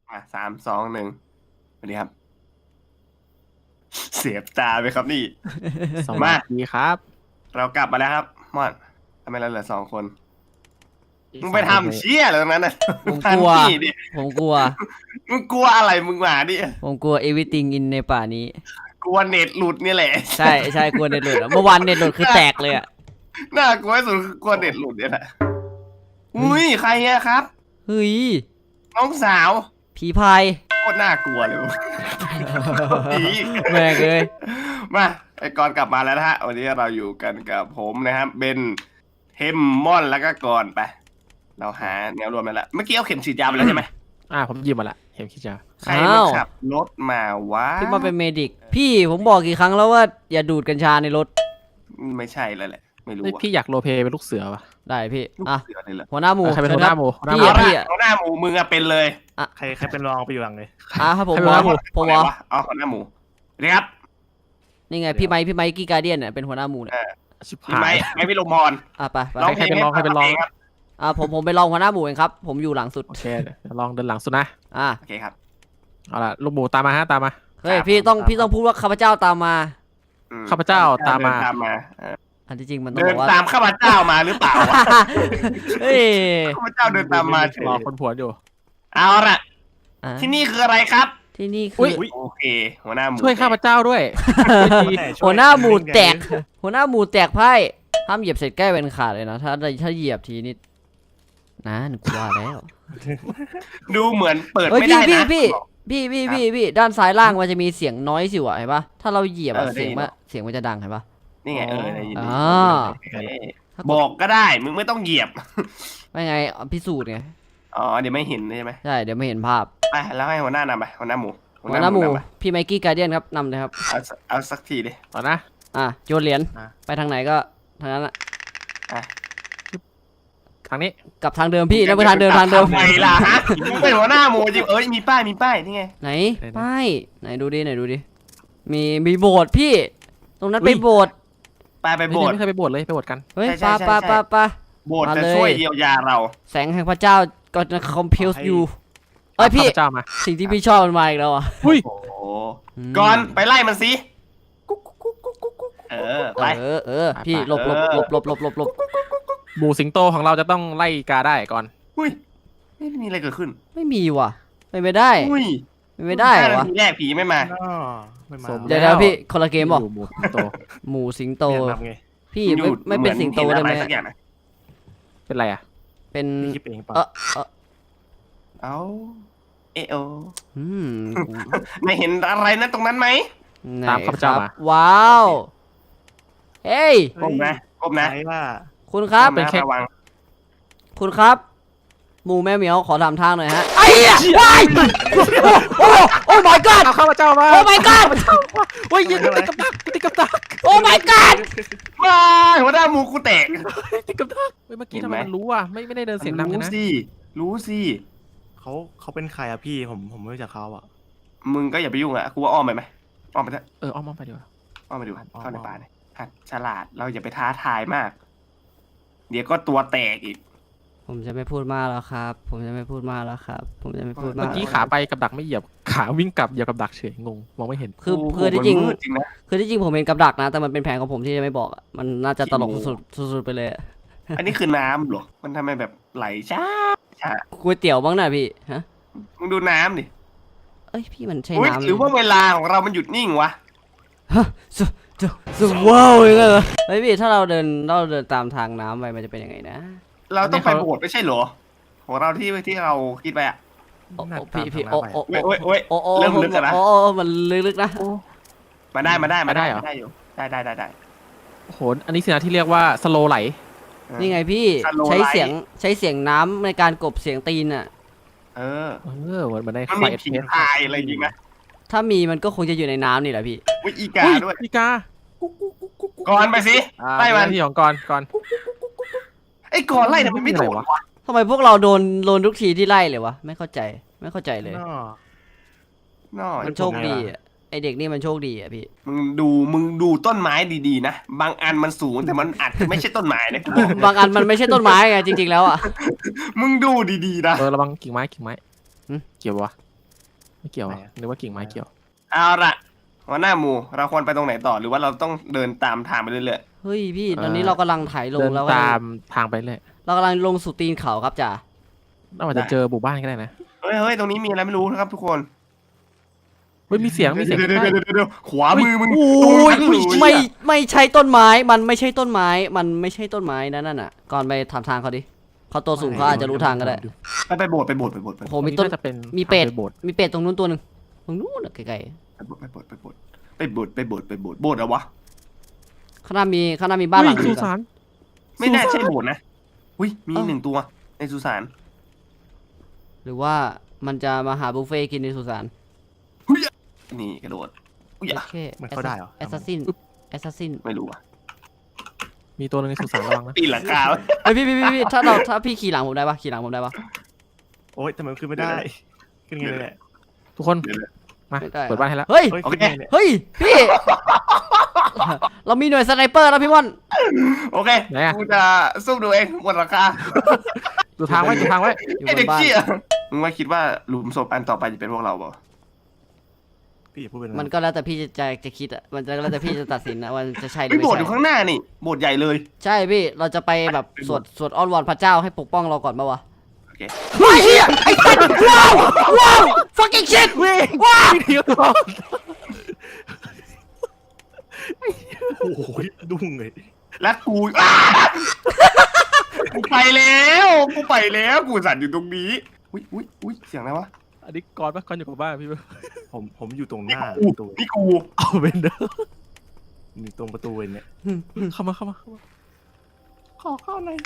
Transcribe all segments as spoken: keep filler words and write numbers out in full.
อ่ะสามสองหนึ่งสวัสดีครับ เสียบตาไปครับนี่สวัสดีครับเรากลับมาแล้วครับมอนทำไมเราเหลือสองคนอีกมึงไปสองคนทำเชี่ยอะไรตรงนั้นน่ะผมกลัวทำนี่ดิผมกลัวมึงกลัวอะไรมึงมาดิผมกลัว everything in ในป่านี้กลัวเน็ตหลุดนี่แหละใช่ใช่กลัวเน็ตหลุดอะเมื่อวานเน็ตหลุดคือแตกเลยอ่ะน่ากลัวที่สุดคือกลัวเน็ตหลุดเนี่ยแหละอุ้ยใครอะครับเฮ้ยน้องสาวผีพายโคตรน่ากลัวเลย ผีแม่งเลยมาไอ้ก่อนกลับมาแล้วนะฮะวันนี้เราอยู่กันกับผมนะครับเบนเทมมอนแล้วก็ก่อนไป เราหาแนวรวมแล้วละเมื่อกี้เอาเข็มฉีดยาไปแล้วใช่ไหมอ่าผมหยิบมาละเห็นคิดจะใครมาขับรถมาวะพี่มาเป็นเมดิก พี่ผมบอกกี่ครั้งแล้วว่าอย่าดูดกัญชาในรถไม่ใช่แล้วแหละ ไม่รู้เฮ้ยอะพี่อยากโรลเพลย์เป็นลูกเสือปะได้พี่ลูกอ่ะเสือเลยเหรอหัวหน้าหมูใครเป็นชิหัญวหน้าครับหมูหัวหน้าหพี่มูอะพี่อะหัวหน้าหมูมึงอะเป็นเลยใครใครเป็นรองไปอยู่หลังเลยอ่ะครับผมใครวเป็นอหัวหน้าหมูผมไหนวอวะอ๋อหัวหน้าหมูเรียครับนี่ไงพี่ไมค์พี่ไมค์กี้การเดียนเนี่ยเป็นหัวหน้าหมูเนี่ยชิบพี่หาไม้ยไม้พี่ลมพรอ่ะไปไปร้องเพลงใครเป็นรองใครเป็นรองครับอ่ะผมผมไปลองหัวหน้าหมูเองครับ ผมอยู่หลังสุดโอเคเดี๋ยวลองเดินหลังสุดนะอ่ะโอเคครับเอาล่ะลูกหมูตามมาฮะตามมาเฮ้ยครับพี่ต้องตามพี่ต้องพูดว่าข้าพเจ้าตามมาอืมข้าพเจ้าตามมาเดินตามมาเอออันที่จริงมันต้องเดิบนอกว่าตามข้าพเจ้ามาหรือเปล่าวะเฮ้ยข้าพเจ้าเดินตามมาเฉยรอคนผัวอยู่เอาละอ่ะที่นี่คืออะไรครับที่นี่อุ๊คือยโอเค หัวหน้าหมูช่วยข้าพเจ้าด้วยหัวหน้าหมูแตก หัวหน้าหมูแตกไพ่ห้ามเหยียบเศษแก้วเป็นขาดเลยนะ ถ้าถ้าเหยียบทีนี่นะหนูกว่าแล้วดูเหมือนเปิดเฮ้ยไม่พี่ได้พี่นะพี่พี่พี่พี่พี่ด้านซ้ายล่างมันจะมีเสียงน้อยสิวะเห็นปะถ้าเราเหยียบอะเออได้เสียงยินมันเสียงมันจะดังเห็นปะนี่ไงเออได้ยินอ่าเออบอกก็ได้ มึงไม่ต้องเหยียบไม่ไงพิสูจน์ไงอ๋อ เดี๋ยวไม่เห็นใช่ไหมใช่เดี๋ยวไม่เห็นภาพไปแล้วให้หัวหน้านำไปหัวหน้าหมูหัวหน้าหมูนำไปพี่ไมกี้การเดียนครับนำเลยครับเอาสักเอาสักทีดิต่อนะอ่ะโยนเหรียญอ่ะไปทางไหนก็ทางนั้นอะอ่ะทางนี้กลับทางเดิมพี่แล้วไปทางเดิมทางเดิมทำไมล่ะฮะมึงเป็นหัวหน้าหมูจริงเอ้ยมีป้ายมีป้ายนี่ไงไหนป้ายไหนดูดิไหนดูดิมีมีโบสถ์พี่ ตรงนั้นไปโบสถ์ป้ายไปไม่โบสถ์เคยไปโบสถ์เลยไปโบสถ์กันเฮ้ยใช่ปาใช่ปาใช่ปาปาโบสถ์มาจะเลยช่วยเยียวยาเราแสงแห่งพระเจ้าก็จะ compel you เอ้ยพี่ข้าพเจ้ามาสิ่งที่พี่ชอบมันมาอีกแล้วอ่ะอุ้ยโอ้โหอืมก่อนไปไล่มันสิเออไปเออเออพี่หลบหลบหลบหลบหลบหลบหลบหมูสิงโตของเราจะต้องไล่กาได้ก่อนอุ้ยไม่มีอะไรเกิดขึ้นไม่มีว่ะไม่ไปได้อุ้ยไม่ไปได้เหรอวะห้านาทีแรกผีไม่มาอ๋อไม่มาสมเดี๋ยวเดี๋ยวพี่คนละเกมบอกอยู่หมูสิงโตหมูสิงโตเรียนนำไงพี่อยู่ไม่ไม่เป็นสิงโตหมืได้อนไหมเห็นอะไรสักอย่างนะเป็นไรอ่ะเป็นพี่คิดเองเปล่าเออเออเอาเอโออืมไม่เห็นอะไรนะตรงนั้นไหมไหนตามข้าพเจ้าครับมาว้าวเฮ้ยก้มนะก้มนะใครว่าคุณครับก้มนะระวังคุณครับ หมูแม่เหมียวขอทำทางหน่อยฮะไอ้เหี้ยว้ายโอ้โอ้โอ้ my god เอาข้าพเจ้ามาโอ้ my god โอ้ยยิงติดกับดักติดกับดักโอ้ my god มาหัวหน้าหมูกูแตกติดกับดักเฮ้ยเมื่อกี้เห็ทำนไมไหมมันรู้อ่ะไม่ไม่ได้เดินเสียงดังเลยรู้นะสิรู้สิเขาเขาเป็นใครอะพี่ผมผมไม่รู้จักเขาอะมึงก็อย่าไปยุ่งอ่ะกูว่าอ้อมไปไหมอ้อมไปเถอะเออเอามองไปดีกว่าอ้อมไปดูเข้าในป่าเลยหัดฉลาดเราอย่าไปท้าทายมาก เดี๋ยวก็ตัวแตกอีกผมจะไม่พูดมากแล้วครับ ผมจะไม่พูดมากแล้วครับ ผมจะไม่พูดมาเมื่อก กี้ขาไปกับดักไม่เหยียบขาวิ่งกลับเหยียบกับดักเฉยงงมองไม่เห็นคือโโหคือที่จริงมันมืดจริงนะคือที่จริงผมเป็นกับดักนะ แต่มันเป็นแผนของผมที่จะไม่บอกอะมันน่าจะตลกสุดๆสุดๆไปเลยอะอันนี้คือน้ำเหรอมันทำไมแบบไหลช้าช้าก๋วยเตี๋ยวบ้างนะพี่ฮะมึงดูน้ำดิเอ้ยพี่มันใช่อุ๊ยน้ำหรือว่าเวลาของเรามันหยุดนิ่งวะฮะสุสุสุว้าวอย่างเงี้ยเหรอเฮ้ยพี่ถ้าเราเดินเราเดินตามทางน้ำไปมันจะเป็นยังไงนะเราต้องไปโบสถ์ไม่ใช่เหรอของเราที่ที่เราคิดไปอ่ะโอ้น่าโอ้ตามพี่พี่ทางโอ้น้ำไปโอ้โอ้ยโอ้ยโอ้โอ้เริ่มลึกแล้วนะโอ้โอ้มันลึกๆนะมาได้มาได้มาได้มาได้เหรอมาได้อยู่ได้ได้ได้ได้โอ้โหอันนี้สินะที่เรียกว่าสโลไหลนี่ไงพี่ Slow ใช้ Light เสียงใช้เสียงน้ำในการกลบเสียงตีนอ่ะเออเออเหมือนมันได้มันไฟมีผีพายอะไรจริงไหมถ้ามีมันก็คงจะอยู่ในน้ำนี่แหละพี่วิอีกาอุ้ยด้วยอีกาก่อนไปสิอ่าไล่มันที่ของก่อนก่อนไอ้ก่อนไล่ทำไมไม่โดนวะทำไมพวกเราโดนโดนทุกทีที่ไล่เลยวะไม่เข้าใจไม่เข้าใจเลยนอน้อมันโชคดีอ่ะไอเด็กนี่มันโชคดีอ่ะพี่มึงดูมึงดูต้นไม้ดีๆนะบางอันมันสูงแต่มันอาจจะไม่ใช่ต้นไม้นะกูบอกบางอันมันไม่ใช่ต้นไม้ไงจริงๆแล้วอ่ะมึงดูดีๆนะเออระวังกิ่งไม้กิ่งไม้หึเกี่ยววะไม่เกี่ยวไหนอะอะนึกว่ากิ่งไม้เกี่ยวเอาละหัวหน้าหมูเราควรไปตรงไหนต่อหรือว่าเราต้องเดินตามทางไปเรื่อยเฮ้ยพี่ตอนนี้เรากำลังถ่ายลงเดินแล้วตามทางไปเลยเรากำลังลงสู่ตีนเขาครับจ่าน่าจะเจอหมู่บ้านก็ได้นะๆเฮ้ยเฮ้ยตรงนี้มีอะไรไม่รู้นะครับทุกคนเฮ้ยมีเสียงมีเสียงเดี๋ยวใกล้เดี๋ยวเดี๋ยวเดี๋ยวขวามือมึงโอ้ยตรงนั้นเลยไม่ไม่ใช่ต้นไม้มันไม่ใช่ต้นไม้มันไม่ใช่ต้นไม้นั่นน่ะก่อนไปถามทางเขาดิเขาตัวสูงเขาอาจจะรู้ทางก็ได้ไปไปโบสถ์ไปโบสถ์ไปโบสถ์ไปโอ้โบสถ์โหมีต้นาจะเป็นมีเป็ดทางไโบสถ์มีเป็ดตรงนู้นตัวหนึ่งตรงนู้นอะไกลไปโบสถ์ไปโบสถ์ไปโบสถ์ไปโบสถ์ไปโบสถ์ไปโบสถ์โบสถ์เหรอวะๆข้างหน้ามีข้างหน้ามีบ้านหลังเฮ้ยหสุนึ่งสานไม่น่าใช่โบสถ์นะอุ้ยมีหนึ่งตัวในสุสานหรือว่ามันจะมาหาบุฟเฟ่ต์กินในสุสานนี่กระโดดอุ้ยโออะเคมันเข้าได้เหรอแอสซัสซินแอสซัสซินไม่รู้อ่ะมีตัวหนึงในสุสานระวังนะปีนหลังคาไว้เฮ้ยพี่พี่พี่พี่ถ้าเราถ้าพี่ขี่หลังผมได้ปะขี่หลังผมได้ปะโอ๊ยทำไมมันขึ้นไม่ได้ขึ้นไงเลยแหละทุกคนมาไม่ได้เปิดบ้านให้แล้วเฮ้ยเฮ้ยขึ้นไงเนี่ยเฮ้ยพี่ เรามีหน่วยสไนเปอร์แล้วพี่ม่อนโอเคกูจะสู้ดูเองบนหลังคาดูทางไว้ดูทางไว้อยู่ไอบ เด็นกบ้านเชี่ยมึงว่าคิดว่าหลุมศพอันต่อไปจะเป็นพวกเราเปล่าพี่อย่าพูดเป็นมันก็แล้วแต่พี่จะจะจะคิดอะมันจะแล้วแต่พี่จะตัดสินนะว่าจะใช่หรือไม่ไม่โบสถ์อยู่ใช่ข้างหน้านี่โบสถ์ใหญ่เลยใช่พี่เราจะไปแบบสวดสวดอ้อนวอนพระเจ้าให้ปกป้องเราก่อนปะวะโอเคไอ้เหี้ยไอ้สัตว์ว้าวว้าว fucking shit ว้าวเดี๋ยวก่อนโอ้โหดุ้งเลยแล้วกูอ้ากูไปแล้วกูไปแล้วกูสั่นอยู่ตรงนี้อุ้ยอุ้ยอุ้ยเสียงอะไรวะอันนี้ก่อนปะก่อนอยู่กับบ้านพี่ปะผมผมอยู่ตรงหน้ากูประตูนี่กูเอาเป็นเด้ออยู่ตรงประตูเลยเนี่ยเข้ามาเข้ามาเข้ามาขอเข้าหน่อย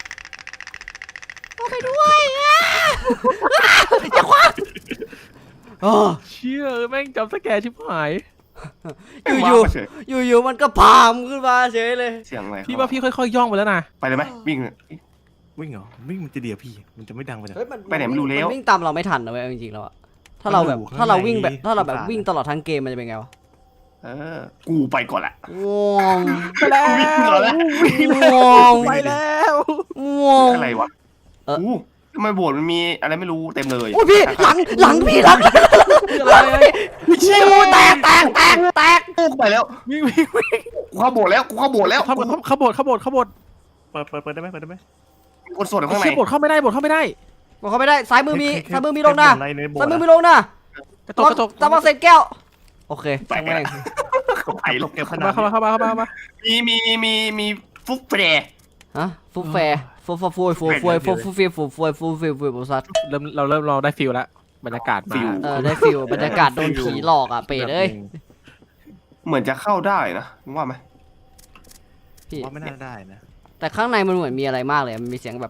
เออเชี่ยแม่งจำสแกร์ชิบหายอยู่ๆอยู่ๆมันก็พามขึ้นมาเฉยเลยเสียงอะไรพี่ว่าพี่ค่อยๆย่องไปแล้วนะไปเลยไหมวิ่งวิ่งเหรอวิ่งมันจะเดียวพี่ มันจะไม่ดังไปเลยไปไหนไม่รู้แล้วนวิ่งตามเราไม่ทันนะเว้ยจริงๆแล้วอะถ้าเราแบบมันอยู่ข้างถ้าเราวิ่งแบบในถ้าเราแบบสุสานวิ่งตลอดทั้งเกมมันจะเป็นไงวะเออ กูไปก่อนละง่วงไปแล้ววิ่งก่อนละง่วงไปแล้วง่วงอะไรวะเอออู้ทำไมโบสถ์มันมีอะไรไม่รู้เต็มเลยโอ้ยพี่หลังหลังพี่หลังเชี่ยแตกแตกแตกแตกกูไปแล้ววิ่งวิ่งวิ่งกูเข้าโบสถ์แล้วกูเข้าโบสถ์แล้วเข้าเข้าโบสถ์เข้าโบสถ์เข้าโบสถ์เปิดเปิดเปิดได้ไหมเปิดได้ไหมมีคนสวดอยู่ข้างในเชี่ยโบสถ์เข้าไม่ได้โบสถ์เข้าไม่ได้บอกเขาไม่ได้ซ้ายมือมีให้ให้ซ้ายมือมีลงนะให้ในโบสถ์ซ้ายมือมีอะลงนะกระจกกระจกตะวันเสร็จแก้วโอเคไปช่างกันแม่งไปแล้วเก็บขเข้านามาดเข้ามาเข้ามาเข้ามาเข้ามามีมีมีมีฟุกเฟรฮะฟุตแฟร์ฟูฟูฟูฟูฟูฟูฟูฟูฟูฟูฟูฟูฟูฟูซัดเริ่มเราเริ่มเราได้ฟิลแล้วบรรยากาศมาเออได้ฟิลบรรยากาศโดนผีหลอกอ่ะเป็ดเอ้ยเหมือนจะเข้าได้นะมึงว่าไหมพี่ว่าไม่น่าได้นะแต่ข้างในมันเหมือนมีอะไรมากเลยมันมีเสียงแบบ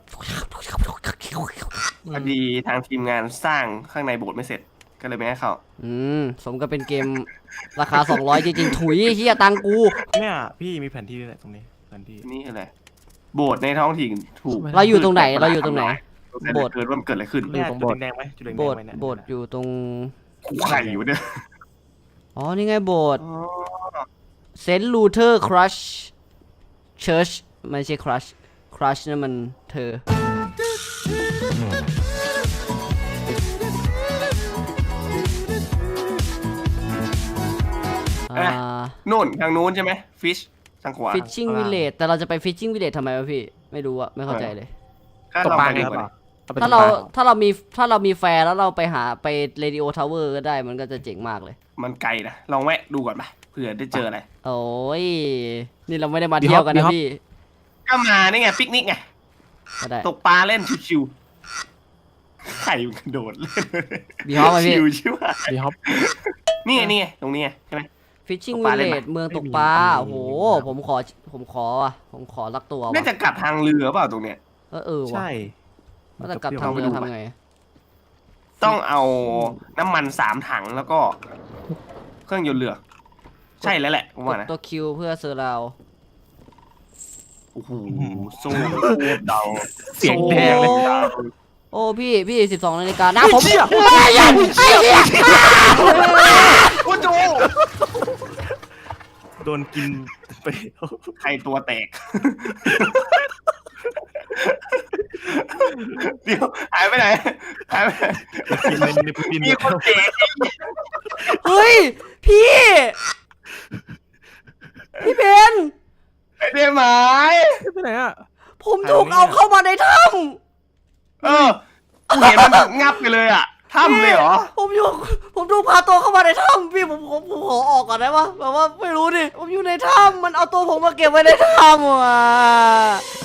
พอดีทางทีมงานสร้างข้างในโบสถ์ไม่เสร็จ ก็เลยไม่ให้เข้าอืมสมกับเป็นเกมราคาสองร้อยจริงๆถุยเฮียตังกูเนี่ยพี่มีแผนที่ด้วยแหละตรงนี้แผนที่นี่อะไรโบสถ์ในท้องถิ่นถูกเราอยู่ตรงไหนเราอยู่ตรงไหน โบโบสสถ์ถ์เกิดว่ามันเกิดอะไรขึ้นเนี่ยจุดแดงๆไหมจุดแดงๆโบสถ์ไหมเนี่ยโบสถ์อยู่ตรงกูไข่อยู่เนี่ยอ๋อนี่ไงโบสถ์อ๋อเซนต์ลูเทอร์ครัชเชิร์ชไม่ใช่ครัชครัชนั่นมันเธออ่านู่นทางนู้นใช่ไหมฟิชทางขวาฟิชชิ่งวิลเลจแต่เราจะไปฟิชชิ่งวิลเลจทำไมวะพี่ ไม่รู้อะไม่เข้าใจเลยถ้าตกเราปลาไปไงดีกว่าอไปถ้าตกเราปลถ้าเรามีถ้าเรามีแฟร์แล้วเราไปหาไปเรดิโอทาวเวอร์ก็ได้มันก็จะเจ๋งมากเลยมันไกลนะลองแวะดูก่อนไปเผื่อได้เจออะไรโอ้ย นี่เราไม่ได้มาเที่ยวกันนะพี่ก็มานี่ไงปิกนิกไงก็ได้ตกปลาเล่นชิวๆไข่มันกระโดดเล่นบีฮอปไหมพี่ชิวใช่ไหมดีฮอปนี่ไงนี่ไงตรงนี้ไงใช่ไหมฟิชชิ่งตกปวิลาลเล่เลนไหมจเมืองตกปลาโอ้โห ผมขอผมขอว่ะผมขอรักตัวน่าว่ะจะกลับทางเรือเปล่าตรงเนี้ยเออเออว่ะใช่ว่าแต่กลับทางเรือทำไงต้องเอาน้ำมันสามถังแล้วก็เครื่องยนต์เรือ ใช่แล้วแหละผมกว่าดนะตัวคิวเพื่อเซอร์ราวโอ้โหสู้เดาเสียงแดงเลยโอ้พี่พี่สิบสองนาฬิกาหน้าผมไอ้เหี้ยไอ้เหี้ยโอ้โหโดนกินไปใครตัวแตก เดี๋ยวหายไปไหนหายไปไหนกินในในพื้นดินมีคนแตกเฮ้ยพี่พี่เบนไม่ได้หมายไปไหนอ่ะผมถูกเอาเข้ามาในถ้เออกูเห็นมันงับไปเลยอ่ะำถ้ำเลยเหรอผมอยู่ผมถูกพาตัวเข้ามาในถ้ำพี่ผมผมผมขอออกก่อนได้ปะแบบว่าไม่รู้ดิผมอยู่ในถ้ำมันเอาตัวผมมาเก็บไว้ในถ้ำอ่ะ